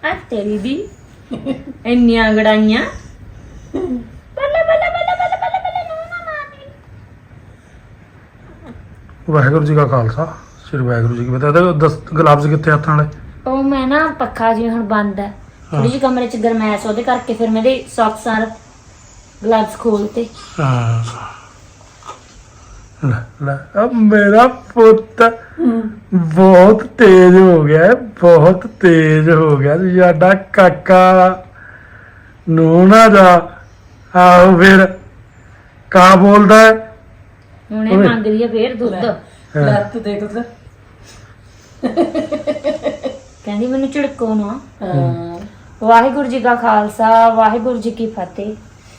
ਆ ਤੇਰੀ ਦੀ ਇੰਨੀਆਂ ਗੜਾਈਆਂ ਬੱਲੇ ਬੱਲੇ ਬੱਲੇ ਬੱਲੇ ਬੱਲੇ ਬੱਲੇ ਨਾ ਮਾਰਨੀ। ਵਾਹਿਗੁਰੂ ਜੀ ਕਾ ਖਾਲਸਾ ਸ੍ਰੀ ਵਾਹਿਗੁਰੂ ਜੀ ਕੀ ਫਤਿਹ। ਇਹਦੇ 10 ਗਲਾਬਸ ਕਿੱਥੇ ਹੱਥਾਂ ਵਾਲੇ? ਉਹ ਮੈਂ ਨਾ ਪੱਖਾ ਜੀ ਹੁਣ ਬੰਦ ਹੈ ਥੋੜੀ ਜਿਹੀ ਕਮਰੇ ਚ ਗਰਮੈਸ਼ ਉਹਦੇ ਕਰਕੇ ਫਿਰ ਮੇਰੇ ਸੌਕਸ ਆਰ ਗਲਵਸ ਖੋਲਤੇ। ਹਾਂ ਲੈ ਲੈ ਅਬ ਮੇਰਾ ਪੁੱਤ ਬਹੁਤ ਤੇਜ਼ ਹੋ ਗਿਆ ਹੈ, ਬਹੁਤ ਤੇਜ਼ ਹੋ ਗਿਆ ਸਾਡਾ ਕਾਕਾ ਨੂੰ ਨਾ ਜਾ। ਆਓ ਫਿਰ ਕਾ ਬੋਲਦਾ ਹੈ ਹੁਣ ਇਹ ਮੰਗ ਰਹੀ ਹੈ ਫੇਰ ਦੁੱਧ। ਲੱਤ ਦੇਖ ਉਧਰ। ਕਹਿੰਦੀ ਮੈਨੂੰ ਝਿੜਕੋ ਨਾ। ਹਾਂ ਵਾਹਿਗੁਰੂ ਜੀ ਕਾ ਖਾਲਸਾ ਵਾਹਿਗੁਰੂ ਜੀ ਕੀ ਫਤਿਹ।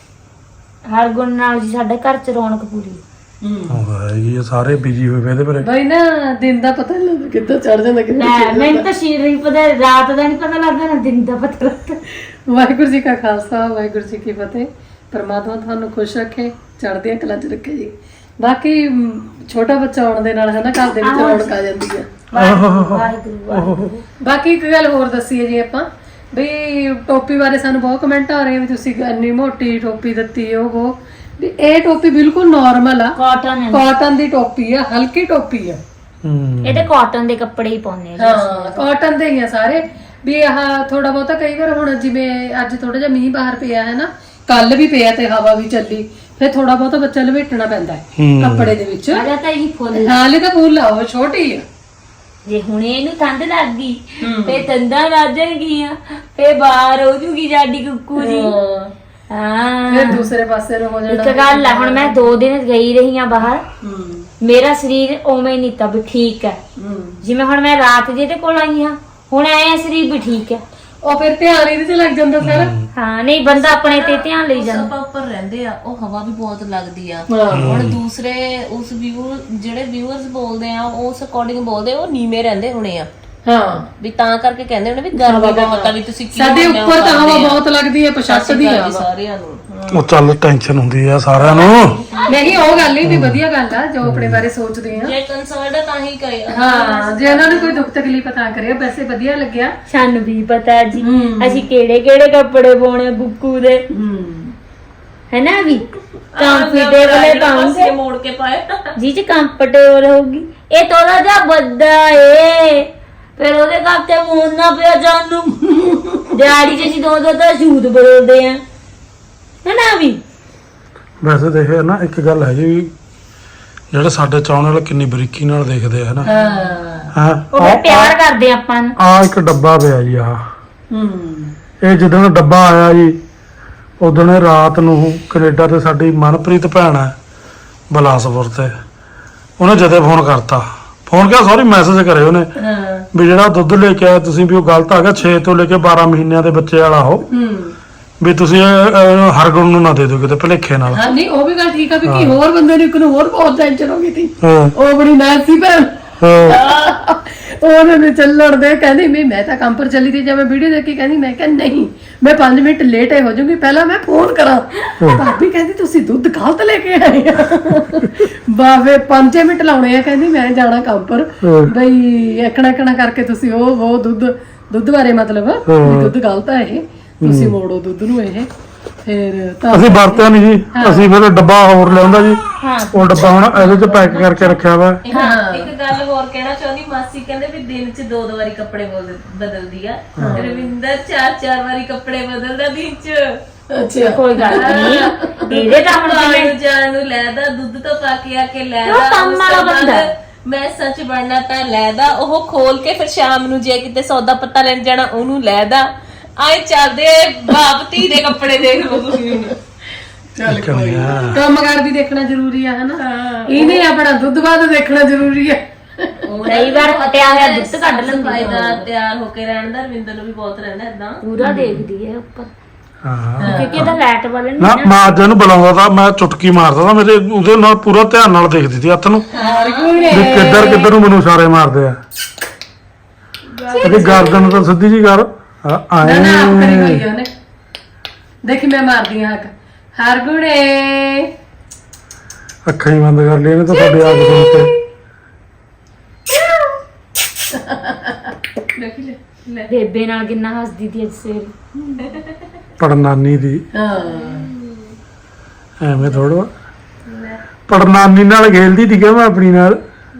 ਹਰ ਗੁਣ ਨਾਲ ਜੀ ਸਾਡੇ ਘਰ ਚ ਰੌਣਕ ਪੂਰੀ। ਇਹ ਸਾਰੇ ਬਿਜੀ ਹੋਏ ਪਏ ਇਹਦੇ ਪਰ। ਬਈ ਨਾ ਦਿਨ ਦਾ ਪਤਾ ਨਹੀਂ ਲੱਗਦਾ ਕਿੱਦਾਂ ਚੜ ਜਾਂਦਾ ਕਿੱਦਾਂ ਲੈ ਮੈਨੂੰ ਤਾਂ ਸ਼ੀਰ ਨਹੀਂ ਪਤਾ, ਰਾਤ ਦਾ ਨਹੀਂ ਪਤਾ ਲੱਗਦਾ ਨਾ ਦਿਨ ਦਾ ਪਤਾ ਲੱਗਦਾ। ਵਾਹਿਗੁਰੂ ਜੀ ਕਾ ਖਾਲਸਾ ਵਾਹਿਗੁਰੂ ਜੀ ਕੀ ਫਤਿਹ। ਪਰਮਾਤਮਾ ਤੁਹਾਨੂੰ ਖੁਸ਼ ਰੱਖੇ, ਚੜ੍ਹਦੀਆਂ ਕਲਾਂ 'ਚ ਰੱਖੇ ਜੀ। ਬਾਕੀ ਛੋਟਾ ਬੱਚਾ ਆਉਣ ਦੇ ਨਾਲ ਹੈ ਨਾ ਘਰ ਦੇ ਵਿੱਚ ਰੌਣਕ ਆ ਜਾਂਦੀ ਆ। ਵਾਹਿਗੁਰੂ ਬਾਕੀ ਇੱਕ ਗੱਲ ਹੋਰ ਦੱਸੀਏ ਜੀ ਆਪਾਂ ਵੀ ਟੋਪੀ ਬਾਰੇ ਸਾਨੂੰ ਬਹੁਤ ਕਮੈਂਟ ਆ ਰਹੇ ਵੀ ਤੁਸੀਂ ਇੰਨੀ ਮੋਟੀ ਟੋਪੀ ਦਿੱਤੀ ਉਹ ਵੀ ਇਹ ਟੋਪੀ ਬਿਲਕੁਲ ਨਾਰਮਲ ਆ, ਕਾਟਨ ਹੈ, ਕਾਟਨ ਦੀ ਟੋਪੀ ਆ, ਹਲਕੀ ਟੋਪੀ ਆ। ਇਹਦੇ ਕਾਟਨ ਦੇ ਕੱਪੜੇ ਹੀ ਪਾਉਂਦੇ ਆ। ਹਾਂ ਕਾਟਨ ਦੇ ਹੀ ਆ ਸਾਰੇ ਵੀ। ਆਹ ਥੋੜਾ ਬਹੁਤਾ ਕਈ ਵਾਰ ਹੁਣ ਜਿਵੇਂ ਅੱਜ ਥੋੜਾ ਜਿਹਾ ਮੀਂਹ ਬਾਹਰ ਪਿਆ ਹੈ ਨਾ, ਕੱਲ ਵੀ ਪਿਆ ਤੇ ਹਵਾ ਵੀ ਚੱਲੀ, ਫਿਰ ਥੋੜਾ ਬਹੁਤਾ ਬੱਚਾ ਲਪੇਟਣਾ ਪੈਂਦਾ ਹੈ ਕੱਪੜੇ ਦੇ ਵਿੱਚ। ਅਜਾ ਤਾਂ ਇਹ ਫੁੱਲ ਹਾਲੇ ਤਾਂ ਫੁੱਲ ਆ, ਉਹ ਛੋਟੀ ਆ। ਜੇ ਹੁਣੇ ਇਹਨੂੰ ਠੰਡ ਲੱਗ ਗਈ ਤੇ ਤੰਦਾਂ ਵੱਜਣਗੀਆਂ, ਫੇ ਬਾਹਰ ਹੋ ਜੂਗੀ ਸਾਡੀ ਕੁੱਕੂ ਜੀ। ਹਾਂ ਫਿਰ ਦੂਸਰੇ ਪਾਸੇ ਨੂੰ ਹੋ ਜਾਣਾ। ਇੱਕ ਗੱਲ ਆ, ਹੁਣ ਮੈਂ 2 ਦਿਨ ਗਈ ਰਹੀ ਆ ਬਾਹਰ, ਮੇਰਾ ਸਰੀਰ ਉਵੇਂ ਨਹੀਂ ਤਾਂ ਵੀ ਠੀਕ ਹੈ। ਜਿਵੇਂ ਹੁਣ ਮੈਂ ਰਾਤ ਜਿਹਦੇ ਕੋਲ ਆਈ ਆ, ਹੁਣ ਐ ਸਰੀਰ ਵੀ ਠੀਕ ਹੈ। ਉਹ ਫਿਰ ਧਿਆਨ ਇਹਦੇ ਤੇ ਲੱਗ ਜਾਂਦਾ ਸਾਰਾ। ਹਾਂ ਨਹੀਂ ਬੰਦਾ ਆਪਣੇ ਤੇ ਧਿਆਨ ਲਈ ਜਾਂਦਾ। ਆਪਾਂ ਉੱਪਰ ਰਹਿੰਦੇ ਆ, ਉਹ ਹਵਾ ਵੀ ਬਹੁਤ ਲੱਗਦੀ ਆ। ਹੁਣ ਦੂਸਰੇ ਉਸ ਜਿਹੜੇ ਵਿਊਅਰਸ ਬੋਲਦੇ ਆ ਉਸ ਅਕੋਰਡਿੰਗ ਬੋਲਦੇ, ਉਹ ਨੀਵੇਂ ਰਹਿੰਦੇ ਹੋਣੇ ਆ। ਹਾਂ ਵੀ ਤਾਂ ਕਰਕੇ ਕਹਿੰਦੇ ਹੋਣੇ ਵੀ ਗਰਮੀ ਬਹੁਤ ਆ, ਵੀ ਤੁਸੀਂ ਕੀ ਸਾਡੇ ਉੱਪਰ ਤਾਂ ਹਵਾ ਬਹੁਤ ਲੱਗਦੀ ਹੈ, ਪਛਾੜਦੀ ਆ ਸਾਰਿਆਂ ਨੂੰ। ਉਹ ਚੱਲ ਟੈਨਸ਼ਨ ਹੁੰਦੀ ਆ ਸਾਰਿਆਂ ਨੂੰ। ਨਹੀਂ ਉਹ ਗੱਲ ਹੀ ਨਹੀਂ, ਵਧੀਆ ਗੱਲ ਆ ਜੋ ਆਪਣੇ ਬਾਰੇ ਸੋਚਦੇ ਆ। ਜੇ ਕੰਸਰਨਡ ਤਾਂ ਹੀ ਕਰਿਆ। ਹਾਂ ਜੇ ਉਹਨਾਂ ਨੂੰ ਕੋਈ ਦੁੱਖ ਤਕਲੀਫ ਤਾਂ ਕਰਿਆ, ਵੈਸੇ ਵਧੀਆ ਲੱਗਿਆ। ਸਾਨੂੰ ਵੀ ਪਤਾ ਜੀ ਅਸੀਂ ਕਿਹੜੇ ਕਿਹੜੇ ਕੱਪੜੇ ਪਾਉਣੇ ਗੁੱਕੂ ਦੇ, ਹੈਨਾ ਵੀ ਕੰਫਰਟੇਬਲ ਪਾਉਂਗੇ ਮੋੜ ਕੇ ਪਾਏ ਜੀ ਚ ਕੰਫਰਟੇਬਲ ਹੋਊਗੀ। ਇਹ ਥੋੜਾ ਜਿਹਾ ਵੱਡਾ ਏ, ਫਿਰ ਉਹਦੇ ਕਰਕੇ ਮੋੜਨਾ ਪਿਆ ਜਾਨੂੰ। ਦਿਹਾੜੀ ਚ ਅਸੀਂ 2 ਤਾਂ ਸ਼ੂਟ ਬਦਲਦੇ ਆ, ਹੈਨਾ ਵੀ। ਵੈਸੇ ਦੇਖਿਆ ਨਾ ਇੱਕ ਗੱਲ ਹੈਗੀ ਵੀ ਜਿਹੜੇ ਸਾਡੇ ਚਾਹਣ ਵਾਲੇ ਕਿੰਨੀ ਬਰੀਕੀ ਨਾਲ ਦੇਖਦੇ ਆ ਹਨਾ। ਹਾਂ ਉਹ ਵੀ ਪਿਆਰ ਕਰਦੇ ਆਪਾਂ ਨੂੰ। ਆ ਇੱਕ ਡੱਬਾ ਪਿਆ ਜੀ ਆ। ਇਹ ਜਦੋਂ ਡੱਬਾ ਆਇਆ ਜੀ ਉਦੋਂ ਰਾਤ ਨੂੰ ਕੈਨੇਡਾ ਤੇ ਸਾਡੀ ਮਨਪ੍ਰੀਤ ਭੈਣ ਹੈ ਬਲਾਸਪੁਰ ਤੇ, ਉਹਨੇ ਜਦੇ ਫੋਨ ਕਰਤਾ। ਫੋਨ ਕਿਹਾ ਸੌਰੀ ਮੈਸੇਜ ਕਰੇ ਉਹਨੇ ਵੀ ਜਿਹੜਾ ਦੁੱਧ ਲੈ ਕੇ ਆਇਆ ਤੁਸੀਂ ਵੀ ਉਹ ਗਲਤ ਆ ਗਿਆ, 6 ਤੋਂ ਲੈ ਕੇ 12 ਮਹੀਨਿਆਂ ਦੇ ਬੱਚੇ ਵਾਲਾ ਉਹ ਵੀ ਤੁਸੀਂ ਹਰਗੁਣ ਨੂੰ ਨਾ ਦੇ ਦਿਓ ਕਿਤੇ ਭਲੇਖੇ ਨਾਲ। ਹਾਂ ਨਹੀਂ ਉਹ ਵੀ ਗੱਲ ਠੀਕ ਆ ਵੀ ਕੀ ਹੋਰ ਬੰਦੇ ਨੂੰ ਇੱਕ ਨੂੰ ਹੋਰ ਬਹੁਤ ਟੈਨਸ਼ਨ ਹੋ ਗਈ ਸੀ। ਉਹ ਬੜੀ ਨਾਸੀ ਭੈਣ ਉਹਨੇ ਚੱਲਣ ਦੇ ਕਹਿੰਦੀ ਵੀ ਮੈਂ ਤਾਂ ਕੰਮ ਪਰ ਚੱਲੀ ਸੀ, ਜਦ ਮੈਂ ਵੀਡੀਓ ਦੇਖੀ ਕਹਿੰਦੀ ਮੈਂ ਕਿਹਾ ਨਹੀਂ ਮੈਂ 5 ਮਿੰਟ ਲੇਟ ਹੋ ਜਾਊਂਗੀ, ਪਹਿਲਾਂ ਮੈਂ ਫੋਨ ਕਰਾਂ। ਭਾਬੀ ਕਹਿੰਦੀ ਤੁਸੀਂ ਦੁੱਧ ਗਲਤ ਲੈ ਕੇ ਆਏ ਆ। ਬਾਵੇ 5 ਮਿੰਟ ਲਾਉਣੇ ਆ, ਕਹਿੰਦੀ ਮੈਂ ਜਾਣਾ ਕੰਮ ਪਰ ਬਈ ਐਕਣਾ ਕਰਕੇ ਤੁਸੀਂ ਉਹ ਦੁੱਧ ਬਾਰੇ ਮਤਲਬ ਵੀ ਦੁੱਧ ਗਲਤ ਆ ਇਹ, ਤੁਸੀਂ ਮੋੜੋ ਦੁੱਧ ਨੂੰ। ਇਹ ਫਿਰ ਤਾਂ ਅਸੀਂ ਵਰਤਿਆ ਨਹੀਂ ਜੀ, ਅਸੀਂ ਫਿਰ ਡੱਬਾ ਹੋਰ ਲਿਆਉਂਦਾ ਜੀ। ਉਹ ਡੱਬਾ ਹੁਣ ਇਹਦੇ ਚ ਪੈਕ ਕਰਕੇ ਰੱਖਿਆ ਵਾ। ਇੱਕ ਗੱਲ ਹੋਰ ਕਹਿਣਾ ਚਾਹੁੰਦੀ, ਮਾਸੀ ਕਹਿੰਦੇ ਵੀ ਦਿਨ ਚ 2 ਵਾਰੀ ਕੱਪੜੇ ਬਦਲਦੀ ਆ। ਰਵਿੰਦਰ 4 ਵਾਰੀ ਕੱਪੜੇ ਬਦਲਦਾ ਦਿਨ ਚ। ਅੱਛਾ ਕੋਈ ਗੱਲ ਨਹੀਂ, ਇਹਦੇ ਤਾਂ ਹੁਣ ਜਿਵੇਂ ਜਾਣ ਨੂੰ ਲੈਦਾ, ਦੁੱਧ ਤੋਂ ਪਾ ਕੇ ਆ ਕੇ ਉਹ ਲੈਦਾ, ਕੰਮ ਵਾਲਾ ਬੰਦਾ। ਮੈਂ ਸੱਚ ਬਣਨਾ ਤਾਂ ਲੈਦਾ, ਉਹ ਖੋਲ ਕੇ ਫਿਰ ਸ਼ਾਮ ਨੂੰ ਜੇ ਕਿਤੇ ਸੌਦਾ ਪੱਤਾ ਲੈਣ ਜਾਣਾ ਉਹਨੂੰ ਲੈਦਾ। ਆਏ ਚੱਲਦੇ ਬਾਪ ਧੀ ਦੇ ਕੱਪੜੇ ਦੇਖ ਲਓ ਤੁਸੀਂ। ਚੱਲ ਕੋਈ ਕੰਮ ਕਾਰ ਵੀ ਦੇਖਣਾ ਜ਼ਰੂਰੀ ਆ ਹਨਾ, ਇਹਨੇ ਆਪਣਾ ਦੁੱਧ ਬਾਅਦ ਦੇਖਣਾ ਜ਼ਰੂਰੀ ਆ। ਕਈ ਵਾਰ ਫਟਿਆ ਹੋਇਆ ਦੁੱਧ ਕੱਢ ਲੈਂਦੀ ਫਾਇਦਾ ਤਿਆਰ ਹੋ ਕੇ ਰਹਿਣ ਦਾ ਰਵਿੰਦਰ ਨੂੰ ਵੀ ਬਹੁਤ ਰਹਿੰਦਾ ਏਦਾਂ। ਪੂਰਾ ਦੇਖਦੀ ਹੈ ਉੱਪਰ, ਹਾਂ ਕਿਉਂਕਿ ਇਹਦਾ ਲਾਈਟ ਵਾਲੇ ਨਾ ਮੈਂ ਅੱਜ ਇਹਨੂੰ ਬੁਲਾਉਂਦਾ ਤਾਂ ਮੈਂ ਚੁਟਕੀ ਮਾਰਦਾ ਤਾਂ ਮੇਰੇ ਉਹਦੇ ਨਾਲ ਪੂਰਾ ਧਿਆਨ ਨਾਲ ਦੇਖਦੀ ਸੀ ਹੱਥ ਨੂੰ ਵੀ ਕਿੱਧਰ ਨੂੰ ਮੈਨੂੰ ਇਸ਼ਾਰੇ ਮਾਰਦੇ ਆ। ਇਹਦੀ ਗਰਦਨ ਤਾਂ ਸਿੱਧੀ ਜੀ ਕਰ ਆਏ। ਨਾ ਕਰੀ ਹੋਈ ਆ ਉਹਨੇ, ਦੇਖੀ ਮੈਂ ਮਾਰਦੀ ਆ ਹੱਕ ਹਰ ਗੁਣੇ। ਅੱਖਾਂ ਹੀ ਬੰਦ ਕਰ ਲਈ ਇਹਨੇ ਤਾਂ ਤੁਹਾਡੀ ਆਦਤ ਸੁਣ ਕੇ। ਦੇਖੀ ਲੈ ਬੇਬੇ ਨਾਲ ਕਿੰਨਾ ਹੱਸਦੀ ਸੀ ਅੱਜ ਸਵੇਰੇ। ਪੜਨਾਨੀ ਦੀ ਹਾਂ ਐਵੇਂ ਥੋੜਾ ਪੜਨਾਨੀ ਨਾਲ ਖੇਲਦੀ ਸੀ ਕਿ ਮੈਂ ਆਪਣੀ ਨਾਲ।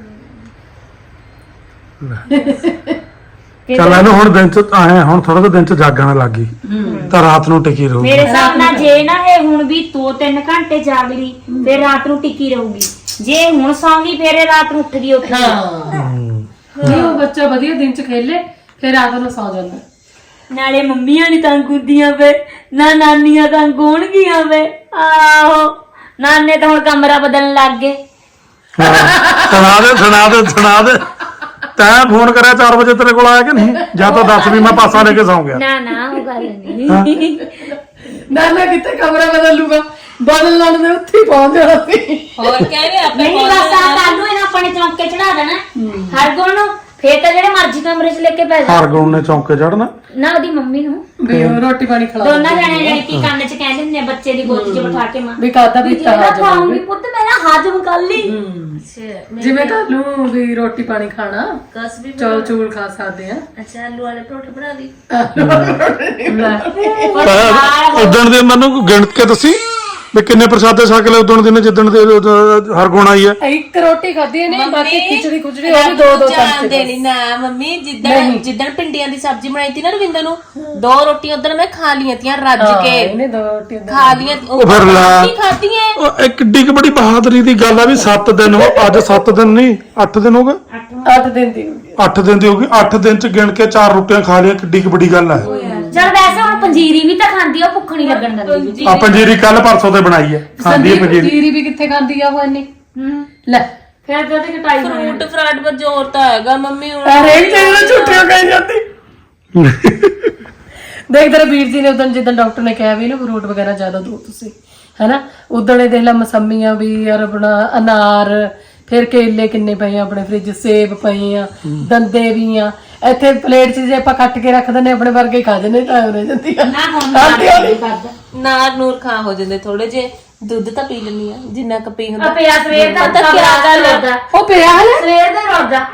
ਚੱਲ ਇਹਨੂੰ ਹੁਣ ਦਿਨ ਚ ਆਏ ਹੁਣ ਥੋੜਾ ਜਿਹਾ ਦਿਨ ਚ ਜਾਗਣ ਲੱਗ ਗਈ ਤਾਂ ਰਾਤ ਨੂੰ ਟਿਕੀ ਰਹੂਗੀ। ਮੇਰੇ ਹਿਸਾਬ ਨਾਲ ਜੇ ਨਾ ਇਹ ਹੁਣ ਵੀ 2-3 ਘੰਟੇ ਜਾਗ ਲਈ ਫਿਰ ਰਾਤ ਨੂੰ ਟਿਕੀ ਰਹੂਗੀ। ਜੇ ਹੁਣ ਸੌਂ ਗਈ ਫਿਰ ਇਹ ਰਾਤ ਨੂੰ ਉੱਠ ਗਈ ਨਹੀਂ ਉਹ ਬੱਚਾ ਵਧੀਆ ਦਿਨ ਚ ਖੇਲੇ ਫਿਰ ਰਾਤ ਨੂੰ ਸੌ ਜਾਂਦਾ। ਨਾਲੇ ਮੰਮੀਆਂ ਨਹੀਂ ਤੰਗ ਹੁੰਦੀਆਂ ਵੇ ਨਾ ਨਾਨੀਆਂ ਤੰਗ ਹੋਣਗੀਆਂ ਵੇ। ਆਹੋ ਨਾਨੇ ਤਾਂ ਹੁਣ ਕਮਰਾ ਬਦਲਣ ਲੱਗ ਗਏ। ਸੁਣਾ ਦੇ ਤੈਂ ਫੋਨ ਕਰਿਆ 4 ਵਜੇ ਤੇਰੇ ਕੋਲ ਆਇਆ ਕਿ ਨਹੀਂ? ਜਾਂ ਤਾਂ ਦੱਸ ਵੀ ਮੈਂ ਪਾਸਾ ਲੈ ਕੇ ਸੌਂ ਗਿਆ। ਨਾ ਉਹ ਗੱਲ ਨਹੀਂ। ਨਾਨਾ ਕਿੱਥੇ ਕਮਰਾ ਬਦਲ ਲੂਗਾ ਬਦਲ ਲੈਣ ਦੇ ਉੱਥੇ ਹੀ ਪਹੁੰਚ ਜਾਣਾ ਸੀ। ਹੋਰ ਕਹਿੰਦੇ ਆਪਣੇ ਨਹੀਂ ਬਸ ਆ ਕਾਲੂ ਇਹਨਾਂ ਆਪਣੇ ਚੌਂਕੇ ਚੜਾ ਦੇਣਾ ਹਰ ਗੁਣ ਨੂੰ। ਫੇਰ ਤਾਂ ਜਿਹੜੇ ਮਰਜ਼ੀ ਕਮਰੇ 'ਚ ਲੈ ਕੇ ਪੈ ਜਾ। ਹਰਗੁਣ ਨੇ ਚੌਂਕੇ ਚੜਨਾ ਨਾ ਉਹਦੀ ਮੰਮੀ ਨੂੰ ਵੀ ਉਹ ਰੋਟੀ ਪਾਣੀ ਖਿਲਾ ਦੋਨਾਂ ਜਣੇ ਜਿਹੜੀ ਕੀ ਕੰਨ 'ਚ ਕਹਿੰਦੇ ਹੁੰਦੇ ਆ ਬੱਚੇ ਦੀ ਗੋਦੀ 'ਚ ਬਿਠਾ ਕੇ ਮਾਂ ਵੀ ਕਾਦਾ ਵੀ ਜਿਹੜਾ ਖਾਉਂਗੀ ਪੁੱਤ ਮੇਰਾ ਹਾਜ਼ਮ ਕਰ ਲਈ। ਜਿਵੇਂ ਕੱਲ ਨੂੰ ਵੀ ਰੋਟੀ ਪਾਣੀ ਖਾਣਾ ਕਸ ਵੀ ਚੌਲ ਚੂਲ ਖਾ ਸਕਦੇ ਆ। ਅੱਛਾ ਆਲੂ ਵਾਲੇ ਪਰੌਂਠੇ ਬਣਾ ਦੀ। ਉਦਣ ਦੇ ਮੈਨੂੰ ਗਿਣ ਕੇ ਦੱਸੀ ਵੀ ਕਿੰਨੇ ਪ੍ਰਸ਼ਾਦੇ ਛਕ ਲਏ ਉਦਣ ਦੇ ਜਿੱਦਣ ਦੇ ਹਰਗੁਣ ਆਈ ਹੈ। ਇੱਕ ਰੋਟੀ ਖਾਧੀ ਨੇ ਬਾਕੀ ਖਿਚੜੀ ਖੁਚੜੀ ਉਹ ਵੀ ਦੋ ਚਾਂਦੇ ਨਹੀਂ ਨਾ ਮੰਮੀ ਜਿੱਦਣ ਪਿੰਡੀਆਂ ਦੀ ਸਬਜ਼ੀ ਬਣਾਈ ਤੀ ਨਾ ਰਵਿੰਦਰ ਨੂੰ 2 ਰੋਟੀਆਂ ਉਧਰ ਮੈਂ ਖਾ ਲੀਆਂ ਤੀਆਂ ਰੱਜ ਕੇ ਇਹਨੇ ਦੋ ਰੋਟੀ ਖਾ ਲੀਆਂ। ਉਹ ਫਿਰ ਲਾ ਖਾਧੀਆਂ ਉਹ ਇੱਕ ਕਿੱਡੀ ਕੁ ਬੜੀ ਬਹਾਦਰੀ ਦੀ ਗੱਲ ਆ ਵੀ 7 ਦਿਨ ਹੋ ਅੱਜ 7 ਦਿਨ ਨਹੀਂ 8 ਦਿਨ ਹੋ ਗਏ 8 ਦਿਨ ਦੀ 8 ਦਿਨ ਦੀ ਹੋ ਗਈ 8 ਦਿਨ ਚ ਗਿਣ ਕੇ 4 ਰੋਟੀਆਂ ਖਾ ਲਿਆ ਕਿੱਡੀ ਕੁ ਵੱਡੀ ਗੱਲ ਆ। ਚਲ ਵੈਸੇ ਹੁਣ ਪੰਜੀਰੀ ਵੀ ਤਾਂ ਖਾਂਦੀ ਆ ਉਹ ਭੁੱਖ ਨਹੀਂ ਲੱਗਣ ਦਿੰਦੀ। ਆ ਪੰਜੀਰੀ ਕੱਲ ਪਰਸੋਂ ਤੇ ਬਣਾਈ ਹੈ ਖਾਂਦੀ ਹੈ ਪੰਜੀਰੀ। ਜੀਰੀ ਵੀ ਕਿੱਥੇ ਖਾਂਦੀ ਆ ਉਹ ਇੰਨੀ ਲੈ ਫਿਰ ਤਾਂ ਉਹਦੇ ਕਟਾਈ ਫਰੂਟ ਫਰਾਟ ਪਰ ਜ਼ੋਰ ਤਾਂ ਹੈਗਾ ਮੰਮੀ ਹੁਣ। ਹਰੇਕ ਚੀਜ਼ ਨੂੰ ਝੂਠੀਆਂ ਕਹੀ ਜਾਂਦੀ। ਦੇਖ ਤੇਰੇ ਵੀਰ ਜੀ ਨੇ ਉਦੋਂ ਜਿੱਦਾਂ ਡਾਕਟਰ ਨੇ ਕਿਹਾ ਵੀ ਨਾ ਫਰੂਟ ਵਗੈਰਾ ਜ਼ਿਆਦਾ ਦੋ ਤੁਸੀਂ ਹੈਨਾ ਉਦੋਂ ਇਹ ਦੇਖ ਲਾ ਮਸੰਮੀਆਂ ਵੀ ਯਾਰ ਆਪਣਾ ਅਨਾਰ ਫਿਰ ਕੇਲੇ ਕਿੰਨੇ ਪਏ ਆ ਆਪਣੇ ਫ੍ਰਿਜ ਸੇਬ ਪਏ ਆ ਦੰਦੇ ਵੀ ਆ ਇੱਥੇ ਪਲੇਟ 'ਚ ਜੇ ਆਪਾਂ ਕੱਟ ਕੇ ਰੱਖ ਦਿੰਦੇ ਆਪਣੇ ਵਰਗੇ ਖਾ ਜਾਂਦੇ ਟਾਈਮ ਰਹਿ ਜਾਂਦੀ ਆ। ਨਾ ਹੁਣ ਕਰਦਾ ਨਾਰ ਨੂਰ ਖਾ ਹੋ ਜਾਂਦੇ ਥੋੜੇ ਜੇ ਦੁੱਧ ਤਾਂ ਪੀ ਲੈਣੀ ਆ ਜਿੰਨਾ ਕੁ ਪੀ ਹੁੰਦਾ। ਪਿਆ ਸਵੇਰ ਦਾ ਪਤਾ ਕੀ ਗੱਲ ਆ? ਉਹ ਪਿਆ ਹੈ ਸਵੇਰ ਦਾ ਰੋਦਾ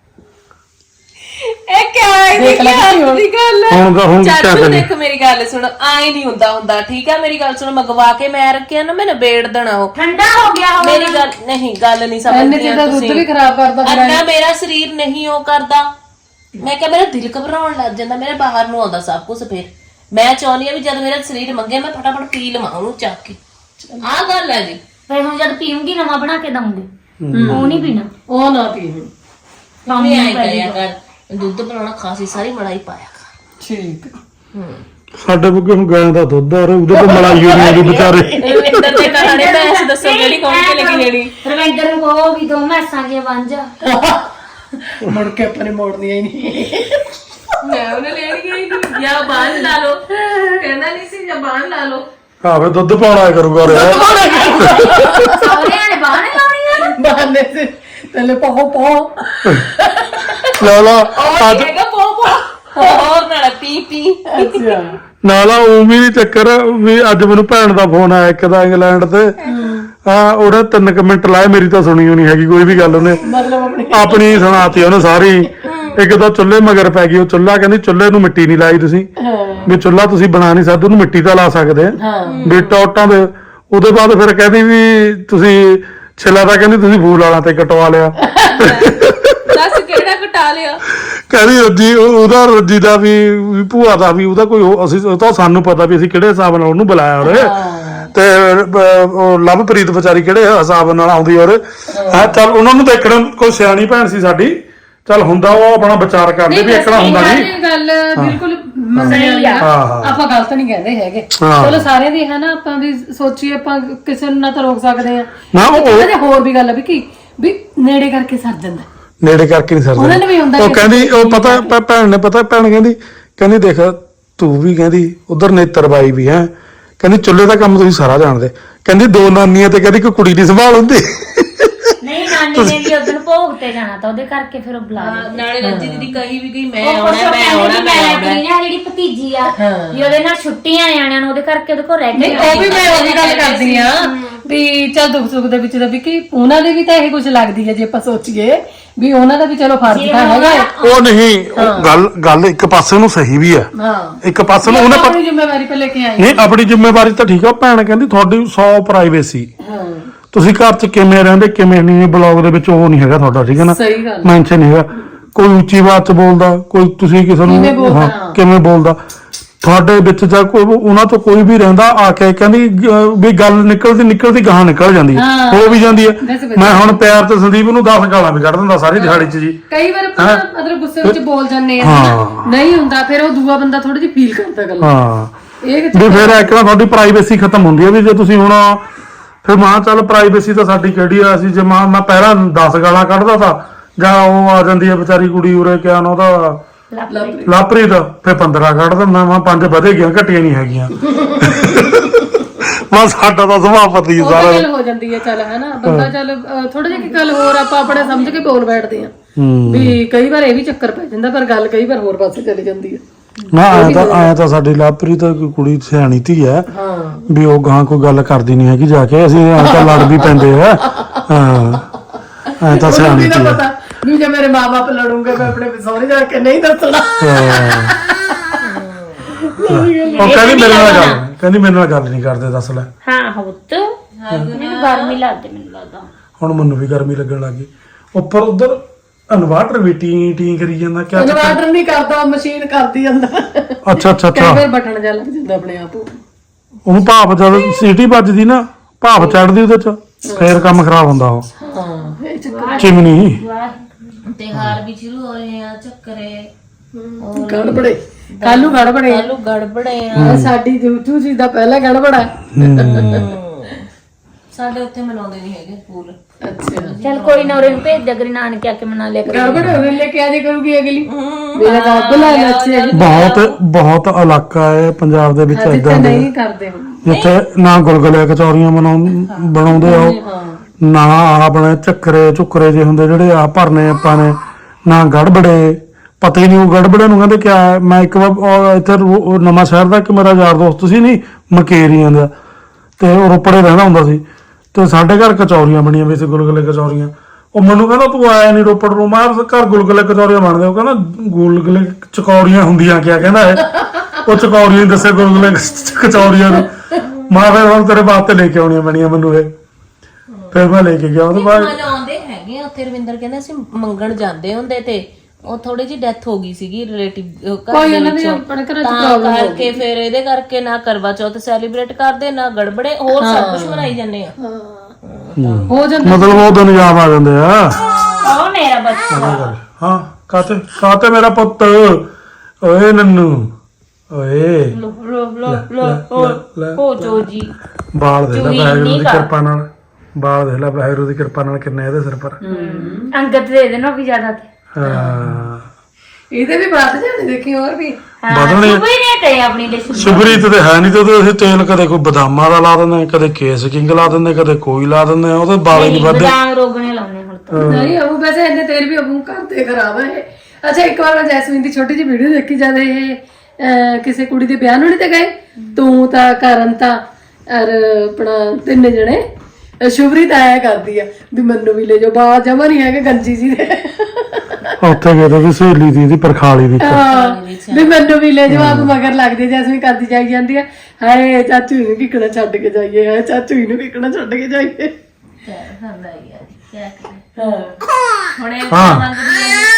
ਇਹ ਕਿਆ ਹੈ ਦੇਖ ਲੈ ਕੀ ਦੀ ਗੱਲ ਹੈ। ਹੁਣ ਕਿਆ ਚਾਚੂ ਕਰੀਏ? ਦੇਖ ਮੇਰੀ ਗੱਲ ਸੁਣ ਆਏ ਨਹੀਂ ਹੁੰਦਾ ਠੀਕ ਆ ਮੇਰੀ ਗੱਲ ਸੁਣ ਮੰਗਵਾ ਕੇ ਮੈਂ ਰੱਖਿਆ ਨਾ ਮੈਂ ਨਿਬੇੜ ਦੇਣਾ ਉਹ ਠੰਡਾ ਹੋ ਗਿਆ ਹੁਣ। ਮੇਰੀ ਗੱਲ ਨਹੀਂ ਗੱਲ ਨਹੀਂ ਇੰਨੇ ਸਮਝਦੀ ਚਿਰ ਦਾ ਦੁੱਧ ਵੀ ਖਰਾਬ ਕਰਦਾ ਫਿਰ ਅੱਧਾ ਮੇਰਾ ਸਰੀਰ ਨਹੀਂ ਉਹ ਕਰਦਾ। ਮੈਂ ਕਿਹਾ ਮੇਰਾ ਦਿਲ ਘਬਰਾਉਣ ਲੱਗ ਜਾਂਦਾ ਮੇਰੇ ਬਾਹਰ ਨੂੰ ਆਉਂਦਾ ਸਭ ਕੁਝ। ਫਿਰ ਮੈਂ ਚਾਹੁੰਦੀ ਆ ਵੀ ਜਦ ਮੇਰਾ ਸਰੀਰ ਮੰਗੇ ਮੈਂ ਫਟਾਫਟ ਪੀ ਲਵਾਂ ਉਹਨੂੰ ਚੱਕ ਕੇ। ਆਹ ਗੱਲ ਹੈ ਜੀ। ਫਿਰ ਹੁਣ ਜਦ ਪੀਉਂਗੀ ਨਵਾਂ ਬਣਾ ਕੇ ਦਊਂਗੀ ਉਹ ਨਹੀਂ ਪੀਣਾ। ਉਹ ਨਾ ਪੀ ਮੰਮੀ ਆਏ ਕਰਿਆ ਕਰ ਦੁੱਧ ਬਣਾਉਣਾ ਖਾਸੀ ਸਾਰੀ ਮਲਾਈ ਪਾਇਆ ਕਰ। ਠੀਕ ਸਾਡੇ ਬੁੱਗੇ ਹੁਣ ਗਾਂ ਦਾ ਦੁੱਧ ਆ ਉਹਦੇ ਕੋਲ ਮਲਾਈ ਹੋਣੀ ਆ ਵਿਚਾਰੇ। ਰਵਿੰਦਰ ਦੇ ਕਹਾਣੀ ਮੈਂ ਦੱਸੋ ਜਿਹੜੀ ਕੌਣ ਕੇ ਲੱਗੀ ਜਿਹੜੀ ਰਵਿੰਦਰ ਨੂੰ ਕਹੋ ਵੀ 2 ਮੈਸਾਂ ਕੇ ਬਣ ਜਾ। ਮੁੜ ਕੇ ਆਪਾਂ ਨੇ ਮੋੜਨੀਆਂ ਹੀ ਨਹੀਂ। ਮੈਂ ਉਹਨੇ ਲੈਣ ਗਈ ਨਹੀਂ ਜਾਂ ਬਾਣ ਲਾ ਲਓ ਕਹਿੰਦਾ ਨਹੀਂ ਸੀ ਜਾਂ ਬਾਣ ਲਾ ਲਓ। ਆਵੇ ਦੁੱਧ ਪਾਉਣਾ ਕਰੂਗਾ ਰਿਹਾ ਸਹੁਰਿਆਂ ਨੇ ਬਾਹਣੇ ਲਾਉਣੀਆਂ ਨੇ। ਬਹਾਨੇ ਸੇ ਤੇਲੇ ਪਾਓ ਲਾਲਾ ਅੱਜ ਹੈਗਾ ਪੋ ਹੋਰ ਨਾਲ ਪੀ ਅੱਛਾ ਨਾਲਾ ਉਹ ਵੀ ਨੀ ਚੱਕਰ ਵੀ ਅੱਜ ਮੈਨੂੰ ਭੈਣ ਦਾ ਫੋਨ ਆਇਆ ਇੱਕ ਦਾ ਇੰਗਲੈਂਡ ਤੇ ਹਾਂ ਉਹਨੇ 3 ਮਿੰਟ ਲਾਏ ਮੇਰੀ ਤਾਂ ਸੁਣੀ ਹੋਣੀ ਹੈਗੀ ਕੋਈ ਵੀ ਗੱਲ ਉਹਨੇ ਮਤਲਬ ਆਪਣੀ ਸੁਣਾਤੀ ਉਹਨੇ ਸਾਰੀ। ਇੱਕ ਤਾਂ ਚੁੱਲ੍ਹੇ ਮਗਰ ਪੈ ਗਈ ਉਹ ਚੁੱਲ੍ਹਾ ਕਹਿੰਦੀ ਚੁੱਲ੍ਹੇ ਨੂੰ ਮਿੱਟੀ ਨਹੀਂ ਲਾਈ ਤੁਸੀਂ ਵੀ ਚੁੱਲ੍ਹਾ ਤੁਸੀਂ ਬਣਾ ਨਹੀਂ ਸਕਦੇ ਉਹਨੂੰ ਮਿੱਟੀ ਤਾਂ ਲਾ ਸਕਦੇ ਵੀ ਟੋਟਾਂ ਦੇ। ਉਹਦੇ ਬਾਅਦ ਫਿਰ ਕਹਿੰਦੀ ਵੀ ਤੁਸੀਂ ਛਿੱਲਾ ਤਾਂ ਕਹਿੰਦੀ ਤੁਸੀਂ ਫੂਲ ਵਾਲਾ ਤੇ ਕਟਵਾ ਲਿਆ। ਦੱਸ ਕਿਹੜਾ ਘਟਾ ਲਿਆ। ਕਹਿੰਦੀ ਰੱਜੀ ਉਹਦਾ ਰੱਜੀ ਦਾ ਵੀ ਭੂਆ ਦਾ ਵੀ ਉਹਦਾ ਕੋਈ ਅਸੀਂ ਉਹ ਤਾਂ ਸਾਨੂੰ ਪਤਾ ਵੀ ਅਸੀਂ ਕਿਹੜੇ ਹਿਸਾਬ ਨਾਲ ਉਹਨੂੰ ਬੁਲਾਇਆ ਉਹਨੇ ਤੇ ਉਹ ਲਵਪ੍ਰੀਤ ਵਿਚਾਰੀ ਕਿਹੜੇ ਹਿਸਾਬ ਨਾਲ ਆਉਂਦੀ ਔਰ ਹਾਂ ਚੱਲ ਉਹਨਾਂ ਨੂੰ ਦੇਖਣ ਕੋਈ ਸਿਆਣੀ ਭੈਣ ਸੀ ਸਾਡੀ ਚੱਲ ਹੁੰਦਾ ਉਹ ਆਪਣਾ ਵਿਚਾਰ ਕਰਦੇ ਵੀ ਇਕਣਾ ਹੁੰਦਾ ਨਹੀਂ। ਗੱਲ ਬਿਲਕੁਲ ਮੰਨਣੀ ਆ ਆਪਾਂ ਗਲਤ ਨਹੀਂ ਕਹਿੰਦੇ ਹੈਗੇ। ਚਲੋ ਸਾਰਿਆਂ ਦੀ ਹੈ ਨਾ ਆਪਾਂ ਵੀ ਸੋਚੀਏ ਆਪਾਂ ਕਿਸੇ ਨੂੰ ਨਾ ਤਾਂ ਰੋਕ ਸਕਦੇ ਆ ਨਾ ਉਹ ਹੋਰ ਵੀ ਗੱਲ ਆ ਵੀ ਵੀ ਨੇੜੇ ਕਰਕੇ ਸਰ ਜਾਂਦਾ ਨੇੜੇ ਕਰਕੇ ਨਹੀਂ ਉਹਨਾਂ ਨੂੰ ਵੀ ਹੁੰਦਾ ਸਰਦਾ। ਉਹ ਕਹਿੰਦੀ ਉਹ ਪਤਾ ਭੈਣ ਨੇ ਪਤਾ ਭੈਣ ਕਹਿੰਦੀ ਦੇਖ ਤੂੰ ਵੀ ਕਹਿੰਦੀ ਉਧਰ ਨੇਤਰ ਬਾਈ ਵੀ ਹੈ ਕਹਿੰਦੀ ਚੁੱਲ੍ਹੇ ਦਾ ਕੰਮ ਤੁਸੀਂ ਸਾਰਾ ਜਾਣਦੇ ਕਹਿੰਦੀ 2 ਨਾਨੀਆਂ ਤੇ ਕਹਿੰਦੀ ਕੋਈ ਕੁੜੀ ਦੀ ਸੰਭਾਲ ਹੁੰਦੀ ਨਹੀਂ ਨਾਨੀ ਨੇ ਵੀ ਉਦੋਂ ਭੋਗ ਤੇ ਜਾਣਾ ਤਾਂ ਉਹਦੇ ਕਰਕੇ ਫਿਰ ਉਹ ਬੁਲਾ ਲਿਆ। ਨਾਲੇ ਰੱਜੀ ਦੀਦੀ ਕਹੀ ਵੀ ਗਈ ਮੈਂ ਉਹ ਆਉਣਾ ਜਿਹੜੀ ਭਤੀਜੀ ਆ ਵੀ ਉਹਦੇ ਨਾਲ ਛੁੱਟੀਆਂ ਨਿਆਣਿਆਂ ਨੂੰ ਉਹਦੇ ਕਰਕੇ ਉਹਦੇ ਕੋਲ ਰਹਿ ਨਹੀਂ ਕੇ ਉਹ ਵੀ ਮੈਂ ਉਹਦੀ ਗੱਲ ਕਰਦੀ ਆ ਵੀ ਚੱਲ ਦੁੱਖ ਸੁੱਖ ਦੇ ਵਿੱਚ ਤਾਂ ਵੀ ਕਿ ਉਹਨਾਂ ਦੇ ਵੀ ਤਾਂ ਇਹ ਕੁਝ ਲੱਗਦੀ ਹੈ ਜੇ ਆਪਾਂ ਸੋਚੀਏ ਵੀ ਉਹਨਾਂ ਦਾ ਵੀ ਚਲੋ ਫਰਜ਼ ਤਾਂ ਹੈਗਾ ਹੈ। ਉਹ ਨਹੀਂ ਉਹ ਗੱਲ ਇੱਕ ਪਾਸੇ ਨੂੰ ਸਹੀ ਵੀ ਹੈ, ਹਾਂ ਇੱਕ ਪਾਸੇ ਨੂੰ ਉਹਨੇ ਆਪਣੀ ਜ਼ਿੰਮੇਵਾਰੀ ਤੇ ਲੈ ਕੇ ਆਏ ਨਹੀਂ ਆਪਣੀ ਜ਼ਿੰਮੇਵਾਰੀ ਤਾਂ ਠੀਕ ਆ। ਭੈਣ ਕਹਿੰਦੀ ਤੁਹਾਡੀ 100 ਪ੍ਰਾਈਵੇਸੀ, ਹਾਂ ਤੁਸੀਂ ਘਰ 'ਚ ਕਿਵੇਂ ਰਹਿੰਦੇ ਕਿਵੇਂ ਨਹੀਂ, ਬਲੌਗ ਦੇ ਵਿੱਚ ਉਹ ਨਹੀਂ ਹੈਗਾ ਤੁਹਾਡਾ, ਠੀਕ ਹੈ ਨਾ, ਸਹੀ ਗੱਲ ਮੈਂਸ਼ਨ ਨਹੀਂ ਹੈਗਾ। ਕੋਈ ਉੱਚੀ ਆਵਾਜ਼ 'ਚ ਬੋਲਦਾ, ਕੋਈ ਤੁਸੀਂ ਕਿਸੇ ਨੂੰ ਕਿਵੇਂ ਬੋਲਦਾ, ਹਾਂ, ਕਿਵੇਂ ਬੋਲਦਾ ਤੁਹਾਡੇ ਵਿੱਚ ਜਾਂ ਕੋਈ ਉਹਨਾਂ ਤੋਂ ਕੋਈ ਵੀ ਰਹਿੰਦਾ ਆ ਕੇ ਕਹਿੰਦੀ ਵੀ ਗੱਲ ਨਿਕਲਦੀ ਗਾਹਾਂ ਨਿਕਲ ਜਾਂਦੀ ਹੈ, ਹੋ ਵੀ ਜਾਂਦੀ ਹੈ। ਮੈਂ ਹੁਣ ਪਿਆਰ ਤੇ ਸੰਦੀਪ ਨੂੰ 10 ਗਾਲਾਂ ਵੀ ਕੱਢ ਦਿੰਦਾ ਸਾਰੀ ਦਿਹਾੜੀ 'ਚ ਜੀ। ਕਈ ਵਾਰ ਆਪਾਂ ਮਤਲਬ ਗੁੱਸੇ ਵਿੱਚ ਬੋਲ ਜਾਂਦੇ ਆ ਨਹੀਂ ਹੁੰਦਾ, ਫਿਰ ਉਹ ਦੂਆ ਬੰਦਾ ਥੋੜੀ ਜਿਹੀ ਫੀਲ ਕਰਦਾ ਗੱਲ। ਹਾਂ ਇਹ ਵੀ ਫਿਰ ਇੱਕ ਨਾ ਤੁਹਾਡੀ ਪ੍ਰਾਈਵੇਸੀ ਖਤਮ ਹੁੰਦੀ ਹੈ ਵੀ ਜੇ ਤੁਸੀਂ ਹੁਣ ਫਿਰ ਮਾਂ ਚੱਲ ਪ੍ਰਾਈਵੇਸੀ ਤਾਂ ਸਾਡੀ ਕਿਹੜੀ ਆ, ਅਸੀਂ ਜੇ ਮੈਂ ਪਹਿਲਾਂ 10 ਗਾਲਾਂ ਕੱਢਦਾ ਤਾਂ ਜਾਂ ਉਹ ਆ ਜਾਂਦੀ ਹੈ ਵਿਚਾਰੀ ਕੁੜੀ ਉਰੇ ਕਿਆ ਨਾ ਉਹਦਾ ਲਾਪਰੀਤ, ਫਿਰ 15 ਕੱਢ ਦਿੰਦਾ ਮੈਂ, 5 ਵਧੇ ਗਈਆਂ ਘਟੀਆਂ ਨਹੀਂ ਹੈਗੀਆਂ। ਮੈਂ ਸਾਡਾ ਤਾਂ ਸੁਭਾਅ ਪਤੀ ਉਹ ਸਾਰਾ ਗੱਲ ਹੋ ਜਾਂਦੀ ਹੈ ਚੱਲ ਹੈ ਨਾ ਬੰਦਾ ਚੱਲ ਥੋੜਾ ਜਿਹਾ ਗੱਲ ਹੋਰ ਆਪਾਂ ਆਪਣੇ ਸਮਝ ਕੇ ਬੋਲ ਬੈਠਦੇ ਆ ਵੀ ਕਈ ਵਾਰ ਇਹ ਵੀ ਚੱਕਰ ਪੈ ਜਾਂਦਾ, ਪਰ ਗੱਲ ਕਈ ਵਾਰ ਹੋਰ ਪਾਸੇ ਚਲੀ ਜਾਂਦੀ ਹੈ। ਨਾ ਆਇਆ ਤਾਂ ਸਾਡੀ ਲਾਪਰੀਤ ਕੁੜੀ ਸਿਆਣੀ ਧੀ ਹੈ ਹਾਂ ਵੀ ਉਹ ਗਾਂ ਕੋਈ ਗੱਲ ਕਰਦੀ ਨਹੀਂ ਹੈਗੀ ਜਾ ਕੇ, ਅਸੀਂ ਐਂ ਤਾਂ ਲੜ ਵੀ ਪੈਂਦੇ ਆ। ਹਾਂ ਐਂ ਤਾਂ ਸਿਆਣੀ ਧੀ ਹੈ। ਪਤਾ ਵੀ ਜੇ ਮੇਰੇ ਮਾਂ-ਬਾਪ ਲੜੂਗੇ ਮੈਂ ਆਪਣੇ ਸਹੁਰੇ ਜਾ ਕੇ ਨਹੀਂ ਦੱਸਣਾ। ਉਹ ਕਹਿੰਦੀ ਮੇਰੇ ਨਾਲ ਗੱਲ ਨਹੀਂ ਕਰਦੇ, ਦੱਸ ਲੈ। ਹਾਂ ਹੁੱਤ ਮੈਨੂੰ ਗਰਮੀ ਲੱਗਦੀ, ਮੈਨੂੰ ਲੱਗਦਾ ਹੁਣ ਮੈਨੂੰ ਵੀ ਗਰਮੀ ਲੱਗਣ ਲੱਗੀ। ਉੱਪਰ ਉਧਰ ਇਨਵਰਟਰ ਵੀ ਟੀ ਕਰੀ ਜਾਂਦਾ, ਕਿਆ ਇਨਵਰਟਰ ਨਹੀਂ ਕਰਦਾ, ਮਸ਼ੀਨ ਕਰਦੀ ਜਾਂਦਾ। ਅੱਛਾ ਕਈ ਵਾਰ ਬਟਨ ਜਿਹਾ ਲੱਗ ਜਾਂਦਾ ਆਪਣੇ ਆਪ। ਉਹਨੂੰ ਭਾਪ ਜਦ ਸੀਟੀ ਵੱਜਦੀ ਨਾ, ਭਾਪ ਚੜਦੀ ਉਹਦੇ ਚ, ਫੇਰ ਕੰਮ ਖਰਾਬ ਹੁੰਦਾ ਉਹ। ਹਾਂ ਇਹ ਚੱਕਰ ਚਿਮਨੀ ਤਿਉਹਾਰ ਵੀ ਸ਼ੁਰੂ ਹੋਏ ਆ, ਚੱਕਰੇ ਗੜਬੜੇ ਕੱਲੂ ਗੜਬੜੇ ਗੜਬੜੇ ਸਾਡੀ ਜੂਜੂ ਜੀ ਦਾ ਪਹਿਲਾ ਗੜਬੜਾ। ਸਾਡੇ ਉੱਥੇ ਮਨਾਉਂਦੇ ਨਹੀਂ ਹੈਗੇ ਫੂਲ। ਅੱਛਾ ਚੱਲ ਕੋਈ ਨਾ ਉਰੇ ਨੂੰ ਭੇਜ ਦੇ, ਅਗਰ ਨਾਨਕੇ ਆ ਕੇ ਮਨਾ ਲਿਆ ਕਰ। ਗੜਬੜੇ ਉਹਨੇ ਲੈ ਕੇ ਆ ਜੇ ਕਰੂਗੀ ਅਗਲੀ ਮੇਰਾ ਰੱਬ ਲਾ ਲੱਛੇ ਬਹੁਤ ਇਲਾਕਾ ਹੈ ਪੰਜਾਬ ਦੇ ਵਿੱਚ ਏਦਾਂ ਦੇ ਨਹੀਂ ਕਰਦੇ ਹੁਣ ਜਿੱਥੇ ਨਾ ਗੁਲਗੁਲੇ ਕਚੌਰੀਆਂ ਬਣਾਉਂਦੇ ਆ ਉਹ, ਨਾ ਆਪਣੇ ਝੁੱਕਰੇ ਜੇ ਹੁੰਦੇ ਜਿਹੜੇ ਆ ਭਰਨੇ ਆਪਾਂ ਨੇ, ਨਾ ਗੜਬੜੇ, ਪਤਾ ਹੀ ਨਹੀਂ ਉਹ ਗੜਬੜੇ ਨੂੰ ਕਹਿੰਦੇ ਕਿਆ ਹੈ। ਮੈਂ ਇੱਕ ਵਾਰ ਇੱਥੇ ਨਵਾਂ ਸ਼ਹਿਰ ਦਾ ਇੱਕ ਮੇਰਾ ਯਾਰ ਦੋਸਤ ਸੀ ਨਹੀਂ ਮਕੇਰੀਆਂ ਦਾ, ਤੇ ਉਹ ਰੋਪੜੇ ਰਹਿੰਦਾ ਹੁੰਦਾ ਸੀ, ਤੇ ਸਾਡੇ ਘਰ ਕਚੌਰੀਆਂ ਬਣੀਆਂ ਵੀ ਸੀ, ਗੁਲਗੁਲੇ ਕਚੌਰੀਆਂ। ਉਹ ਮੈਨੂੰ ਕਹਿੰਦਾ ਤੂੰ ਆਇਆ ਨਹੀਂ ਰੋਪੜ ਨੂੰ, ਮੈਂ ਘਰ ਗੁਲਗੁਲੇ ਕਚੌਰੀਆਂ ਬਣਦੇ। ਉਹ ਕਹਿੰਦਾ ਗੁਲਗੁਲੇ ਚਕੌਰੀਆਂ ਹੁੰਦੀਆਂ ਕਿਆ ਕਹਿੰਦਾ ਇਹ, ਉਹ ਚਕੌਰੀਆਂ ਹੀ ਦੱਸੇ ਗੁਲਗੁਲੇ ਕਚੌਰੀਆਂ ਨੂੰ। ਮੈਂ ਫਿਰ ਹੁਣ ਤੇਰੇ ਵਾਸਤੇ ਲੈ ਕੇ ਆਉਣੀਆਂ ਬਣੀਆਂ ਮੈਨੂੰ ਇਹ, ਫਿਰ ਮੈਂ ਲੈ ਕੇ ਗਿਆ ਉਹਦੇ ਬਾਅਦ। ਮਨਾਉਂਦੇ ਹੈਗੇ ਉੱਥੇ, ਰਵਿੰਦਰ ਕਹਿੰਦਾ ਅਸੀਂ ਮੰਗਣ ਜਾਂਦੇ ਹੁੰਦੇ ਤੇ ਉਹ ਥੋੜੀ ਜਿਹੀ ਡੈਥ ਹੋ ਗਈ ਸੀਗੀ ਰਿਲੇਟਿਵ ਕੋਈ ਇਹਨਾਂ ਦੇ ਆਪਣੇ ਘਰਾਂ ਚ ਪ੍ਰੋਬਲਮ ਕਰਕੇ, ਫਿਰ ਇਹਦੇ ਕਰਕੇ ਨਾ ਕਰਵਾ ਚੌਥ ਸੈਲੀਬ੍ਰੇਟ ਕਰਦੇ, ਨਾ ਗੜਬੜੇ, ਹੋਰ ਸਭ ਕੁਝ ਮਨਾਈ ਜਾਂਦੇ ਆ। ਹੋ ਜਾਂਦਾ ਮਤਲਬ ਉਹ ਦਿਨ ਯਾਦ ਆ ਜਾਂਦੇ ਆ। ਉਹ ਮੇਰਾ ਬੱਚਾ ਹਾਂ ਕਾਤੇ ਮੇਰਾ ਪੁੱਤ, ਓਏ ਨੰਨੂ ਓਏ ਹੋ ਜੋ ਜੀ। ਬਾਲ ਦੇ ਲੈ ਵਾਹਿਗੁਰੂ ਦੀ ਕਿਰਪਾ ਨਾਲ, ਬਾਲ ਦੇ ਲੈ ਵਾਹਿਗੁਰੂ ਦੀ ਕਿਰਪਾ ਨਾਲ ਕਿੰਨੇ ਇਹਦੇ ਸਿਰ ਪਰ। ਅੰਗਤ ਦੇ ਦੇਣਾ ਵੀ ਜ਼ਿਆਦਾ ਤੇ ਹਾਂ ਇਹਦੇ ਵੀ ਬਾਤ ਜਾਣੇ ਦੇਖੀ ਹੋਰ ਵੀ ਵਧਣੇ ਕੋਈ ਨਹੀਂ ਕਹੇ ਆਪਣੀ ਡਿਸ਼ ਸੁਪਰੀਤ ਤੇ ਹੈ ਨਹੀਂ, ਤੇ ਉਹਦੇ ਅਸੀਂ ਤੇਲ ਕਦੇ ਕੋਈ ਬਦਾਮਾਂ ਦਾ ਲਾ ਦਿੰਦੇ, ਕਦੇ ਕੇਸ ਕਿੰਗ ਲਾ ਦਿੰਦੇ, ਕਦੇ ਕੋਈ ਲਾ ਦਿੰਦੇ, ਉਹਦੇ ਬਾਲੇ ਨਹੀਂ ਵੱਧਦੇ। ਬਦਾਮ ਰੋਗਣੇ ਲਾਉਣੇ ਹੁਣ ਤਾਂ ਨਹੀਂ ਉਹ ਵੈਸੇ ਇਹਨੇ ਤੇਲ ਵੀ ਅਬੂ ਕਰਦੇ ਖਰਾਬ ਹੈ। ਅੱਛਾ ਇੱਕ ਵਾਰ ਮੈਂ ਜੈਸਮੀਨ ਦੀ ਛੋਟੀ ਜਿਹੀ ਵੀਡੀਓ ਦੇਖੀ ਜਦ ਇਹ ਕਿਸੇ ਕੁੜੀ ਦੇ ਵਿਆਹ ਨੂੰ ਨਹੀਂ ਤੇ ਗਏ, ਤੂੰ ਤਾਂ ਕਰਨ ਤਾਂ ਔਰ ਆਪਣਾ 3 ਜਣੇ, ਸ਼ੁਭਰੀਤ ਆਇਆ ਕਰਦੀ ਆ ਵੀ ਮੈਨੂੰ ਵੀ ਲੈ ਜਾਓ, ਬਾਹਰ ਜਮਾ ਨਹੀਂ ਹੈਗੇ ਗੰਜੀ ਜੀ ਦੇ। ਉੱਥੇ ਗਏ ਤਾਂ ਸਹੇਲੀ ਦੀ ਪਰਖਾਲੀ ਦੀ ਵੀ ਮੈਨੂੰ ਵੀ ਲੈ ਜਾਓ, ਆਪ ਮਗਰ ਲੱਗਦੀ ਜੈਸਮੀਨ ਕਰਦੀ ਜਾਈ ਜਾਂਦੀ ਆ, ਹਾਏ ਚਾਚੂ ਨੂੰ ਕਿਕਣਾ ਛੱਡ ਕੇ ਜਾਈਏ, ਹਾਏ ਚਾਚੂ ਨੂੰ ਕਿਕਣਾ ਛੱਡ ਕੇ ਜਾਈਏ। ਹੁਣ ਇਹ ਮੰਗਦੀ ਹੈ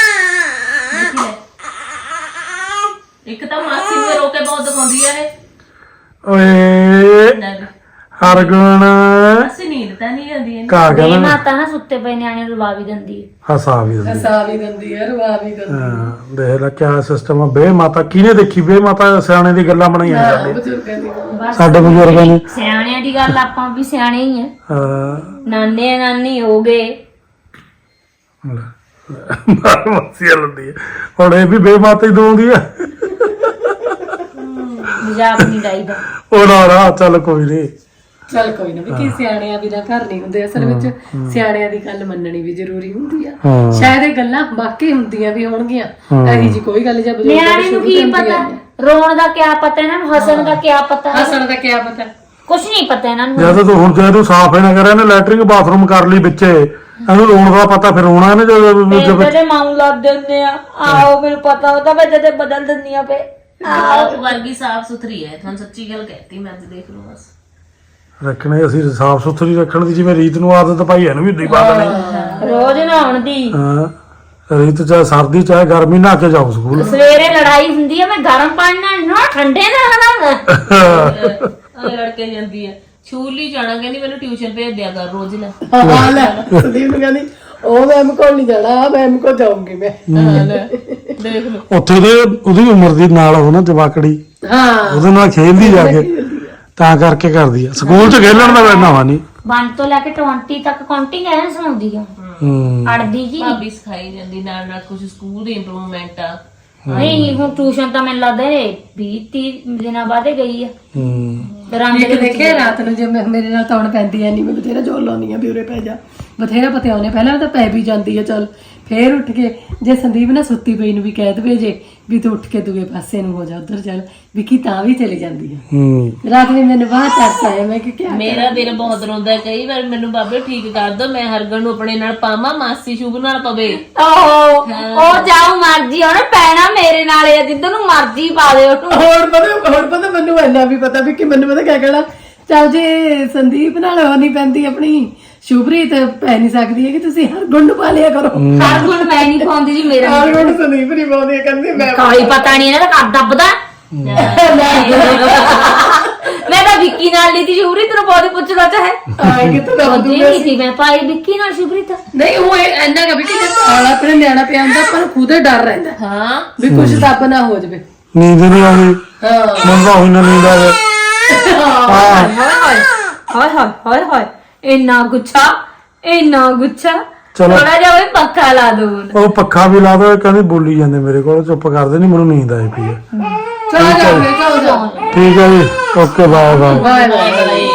ਇੱਕ ਤਾਂ ਮਾਸੀ ਨੂੰ ਰੋ ਕੇ ਬਹੁਤ ਦਿਖਾਉਂਦੀ ਆ ਇਹ। ਓਏ ਹਰਗੁਣ ਅਸੀਂ ਨੀਂਦ ਤਾਂ ਨਹੀਂ ਆਉਂਦੀ ਇਹਨੂੰ। ਕਾ ਇਹ ਕਹਿੰਦਾ ਮਾਤਾ ਨਾ ਸੁੱਤੇ ਪਏ ਨਿਆਣੇ ਨੂੰ ਰਵਾ ਵੀ ਦਿੰਦੀ ਹੈ। ਹਸਾ ਵੀ ਦਿੰਦੀ। ਹਸਾ ਵੀ ਦਿੰਦੀ ਆ, ਰਵਾ ਵੀ ਦਿੰਦੀ ਹਾਂ ਦੇਖ ਲੈ ਕਿਆ ਸਿਸਟਮ ਆ। ਬੇ ਮਾਤਾ ਕਿਹਨੇ ਦੇਖੀ, ਬੇ ਮਾਤਾ ਸਿਆਣੇ ਦੀ ਗੱਲਾਂ ਬਣਾਈਆਂ ਜਾਂਦੇ ਬਜ਼ੁਰਗਾਂ ਦੀ। ਸਾਡੇ ਬਜ਼ੁਰਗਾਂ ਨੇ। ਸਿਆਣਿਆਂ ਦੀ ਗੱਲ, ਆਪਾਂ ਵੀ ਸਿਆਣੇ ਹੀ ਆ, ਹਾਂ ਨਾਨੇ ਨਾਨੀ ਹੋ ਗਏ। ਮਸੀਆ ਲੰਦੀ ਹੁਣ ਇਹ ਵੀ ਬੇ ਮਾਤਾ ਹੀ ਦੋਂਦੀ ਆ। ਮਜ਼ਾਕ ਨਹੀਂ ਡਾਈਦਾ। ਉਹ ਨਾ ਚੱਲ ਕੋਈ ਨਹੀਂ। ਚੱਲ ਕੋਈ ਨਾ ਵੀ ਕੀ ਸਿਆਣਿਆਂ ਬਿਨਾਂ ਘਰ ਨਹੀਂ ਹੁੰਦੇ, ਅਸਲ ਵਿੱਚ ਸਿਆਣਿਆਂ ਦੀ ਗੱਲ ਮੰਨਣੀ ਵੀ ਜ਼ਰੂਰੀ ਹੁੰਦੀ ਆ। ਸ਼ਾਇਦ ਇਹ ਗੱਲਾਂ ਵਾਕਈ ਹੁੰਦੀਆਂ ਵੀ ਹੋਣਗੀਆਂ, ਇਹੀ ਜੀ ਕੋਈ ਗੱਲ ਜਾਂ ਨਿਆਣੇ ਨੂੰ ਕੀ ਪਤਾ, ਰੋਣ ਦਾ ਕਿਆ ਪਤਾ, ਇਹਨਾਂ ਨੂੰ ਹੱਸਣ ਦਾ ਕਿਆ ਪਤਾ। ਹੱਸਣ ਦਾ ਕਿਆ ਪਤਾ। ਕੁਛ ਨਹੀਂ ਪਤਾ ਇਹਨਾਂ ਨੂੰ ਜਦ ਤੂੰ ਹੁਣ ਜੇ ਤੂੰ ਸਾਫ਼ ਹੀ ਨਾ ਕਰਿਆ ਨੇ ਲੈਟਰਿੰਗ ਬਾਥਰੂਮ ਕਰ ਲਈ ਵਿੱਚੇ ਇਹਨੂੰ ਰੋਣ ਦਾ ਪਤਾ ਫਿਰ ਰੋਣਾ ਇਹਨੇ ਜਦੋਂ ਤੇਰੇ ਮਾਊ ਲੱਗ ਦਿੰਦੇ ਆ ਆਓ ਮੈਨੂੰ ਪਤਾ ਉਹਦਾ ਮੈਂ ਜਦੇ ਬਦਲ ਦਿੰਦੀ ਆ ਪੇ ਆਪ ਵਰਗੀ ਸਾਫ ਸੁਥਰੀ ਹੈ ਤੁਹਾਨੂੰ ਸੱਚੀ ਗੱਲ ਕਹਿਤੀ ਮੈਂ ਅੱਜ ਦੇਖ ਲਓ ਬਸ ਰੱਖਣੇ ਅਸੀਂ ਸਾਫ਼ ਸੁਥਰੀ ਰੱਖਣ ਦੀ ਜਿਵੇਂ ਰੀਤ ਨੂੰ ਆਦਤ ਪਾਈ ਇਹਨੂੰ ਵੀ ਉਦਾਂ ਹੀ ਪਾ ਦੇਣੀ ਰੋਜ਼ ਨਹਾਉਣ ਦੀ ਹਾਂ ਰੀਤ ਚਾਹੇ ਸਰਦੀ ਚਾਹੇ ਗਰਮੀ ਨਹਾ ਕੇ ਜਾਓ ਸਕੂਲ ਸਵੇਰੇ ਲੜਾਈ ਹੁੰਦੀ ਆ ਮੈਂ ਗਰਮ ਪਾਣੀ ਨਾਲ ਨਾ ਠੰਡੇ ਨਾਲ ਨਹਾਉਣਾ ਆ ਲੜਕੇ ਜਾਂਦੀ ਹੈ ਛੂਲੀ ਜਾਣਾ ਕਹਿੰਦੀ ਮੈਨੂੰ ਟਿਊਸ਼ਨ ਭੇਜ ਦਿਆ ਕਰ ਰੋਜ਼ ਨਾ ਹਾਂ ਲੈ ਸੰਦੀਪ ਨੂੰ ਕਹਿੰਦੀ ਉਹ ਮੈਮ ਕੋਲ ਨਹੀਂ ਜਾਣਾ ਮੈਮ ਕੋਲ ਜਾਊਂਗੀ ਮੈਂ ਦੇਖ ਲਓ ਉੱਥੇ ਦੇ ਉਹਦੀ ਉਮਰ ਦੀ ਨਾਲ ਉਹ ਨਾ ਜਵਾਕੜੀ ਹਾਂ ਉਹਦੇ ਨਾਲ ਖੇਲਦੀ ਜਾ ਕੇ ਤਾਂ ਕਰਕੇ ਕਰਦੀ ਆ ਸਕੂਲ 'ਚ ਖੇਲਣ ਦਾ ਬੈਠਾ ਵਾ ਨਹੀਂ 1 ਤੋਂ ਲੈ ਕੇ 20 ਤੱਕ ਕਾਊਂਟਿੰਗ ਐ ਸੁਣਾਉਂਦੀ ਆ ਅੜਦੀ ਜੀ ਭਾਬੀ ਸਿਖਾਈ ਜਾਂਦੀ ਨਾਲ ਨਾਲ ਕੁਝ ਸਕੂਲ ਦੀ ਇੰਪਰੂਵਮੈਂਟ ਆ ਨਹੀਂ ਹੁਣ ਟਿਊਸ਼ਨ ਤਾਂ ਮੈਨੂੰ ਲੱਗਦਾ 20-30 ਦਿਨਾਂ ਬਾਅਦ ਹੀ ਗਈ ਆ ਰੰਗ ਇੱਕ ਦੇਖਿਆ ਰਾਤ ਨੂੰ ਜੇ ਮੇਰੇ ਨਾਲ ਤੌਣ ਪੈਂਦੀ ਐ ਨਹੀਂ ਮੈਂ ਬਥੇਰਾ ਜੋਰ ਲਾਉਣੀ ਆ ਵੀ ਉਰੇ ਪੈ ਜਾ ਬਥੇਰਾ ਪਤਿਆਉਨੇ ਪਹਿਲਾਂ ਤਾਂ ਪੈ ਵੀ ਜਾਂਦੀ ਆ ਚੱਲ ਫੇਰ ਉੱਠ ਕੇ ਜੇ ਸੰਦੀਪ ਨਾ ਸੁੱਤੀ ਪਈ ਨੂੰ ਵੀ ਕਹਿ ਦਵੇ ਜੇ ਵੀ ਤੂੰ ਉੱਠ ਕੇ ਦੂਏ ਪਾਸੇ ਨੂੰ ਹੋ ਜਾ ਉਧਰ ਚੱਲ ਵਿੱਕੀ ਤਾਂ ਵੀ ਚਲੀ ਜਾਂਦੀ ਆ ਰਾਤ ਨੂੰ ਮੈਨੂੰ ਬਾਹਰ ਤਰਸ ਆਇਆ ਮੈਂ ਕਿ ਕਿਆ ਮੇਰਾ ਦਿਲ ਬਹੁਤ ਰੋਂਦਾ ਕਈ ਵਾਰ ਮੈਨੂੰ ਬਾਬੇ ਠੀਕ ਕਰ ਦੋ ਮੈਂ ਹਰਗਨ ਨੂੰ ਆਪਣੇ ਨਾਲ ਪਾਵਾਂ ਮਾਸੀ ਸ਼ੁਭ ਨਾਲ ਪਵੇ ਉਹ ਜਾਉ ਮਰਜੀ ਉਹਨੇ ਪੈਣਾ ਮੇਰੇ ਨਾਲ ਆ ਜਿੱਦ ਨੂੰ ਮਰਜੀ ਪਾ ਦੇ ਉਹਨੂੰ ਹੁਣ ਪਤਾ ਮੈਨੂੰ ਇੰਨਾ ਵੀ ਪਤਾ ਵੀ ਕਿ ਮੈਨੂੰ ਪਤਾ ਕਿਆ ਕਹਿਣਾ ਚੱਲ ਜੇ ਸੰਦੀਪ ਨਾਲ ਉਹ ਨਹੀਂ ਪੈਂਦੀ ਆਪਣੀ ਸ਼ੁਭਰੀਤ ਪੈ ਨਹੀਂ ਸਕਦੀ ਹੈ ਕਿ ਤੁਸੀਂ ਹਰ ਗੁਣ ਨੂੰ ਪਾ ਲਿਆ ਕਰੋ ਹਰ ਗੁਣ ਮੈਂ ਨਹੀਂ ਪਾਉਂਦੀ ਜੀ ਮੇਰਾ ਹਰ ਗੁਣ ਸੰਦੀਪ ਨਹੀਂ ਪਾਉਂਦੀ ਕਹਿੰਦੀ ਮੈਂ ਕੋਈ ਪਤਾ ਨਹੀਂ ਇਹਨਾਂ ਦਾ ਕਰ ਦੱਬਦਾ ਮੈਂ ਤਾਂ ਵਿੱਕੀ ਨਾਲ ਲਈ ਤੀ ਸ਼ੁਭਰੀਤ ਨੂੰ ਬਹੁਤ ਪੁੱਛਦਾ ਚਾਹੇ ਆਏ ਕਿਤੇ ਦਾ ਉਹਦੀ ਨਹੀਂ ਸੀ ਮੈਂ ਪਾਈ ਵਿੱਕੀ ਨਾਲ ਸ਼ੁਭਰੀਤ ਨਹੀਂ ਉਹ ਇੰਨਾ ਕਿ ਕਿ ਆਲਾ ਆਪਣੇ ਨਿਆਣਾ ਪਿਆ ਹੁੰਦਾ ਪਰ ਖੁਦੇ ਡਰ ਰਹਿੰਦਾ ਹਾਂ ਵੀ ਕੁਛ ਦੱਬ ਨਾ ਹੋ ਜਾਵੇ ਨੀਂਦ ਨਹੀਂ ਆਉਂਦੀ ਹਾਂ ਮੰਗਾ ਹੋਈ ਨਾ ਨੀਂਦ ਆਵੇ ਹਾਏ ਹਾਏ ਹਾਏ ਇੰਨਾ ਗੁੱਛਾ ਚਲੋ। ਥੋੜਾ ਜਿਹਾ ਉਹ ਪੱਖਾ ਲਾ ਦੋ ਉਹ ਪੱਖਾ ਵੀ ਲਾ ਦੋ ਕਹਿੰਦੀ ਬੋਲੀ ਜਾਂਦੇ ਮੇਰੇ ਕੋਲ ਚੁੱਪ ਕਰਦੇ ਨਹੀਂ ਮੈਨੂੰ ਨੀਂਦ ਆਈ ਪਈ ਹੈ ਚਲੋ ਜਾਓ ਠੀਕ ਹੈ ਜੀ okay bye bye bye bye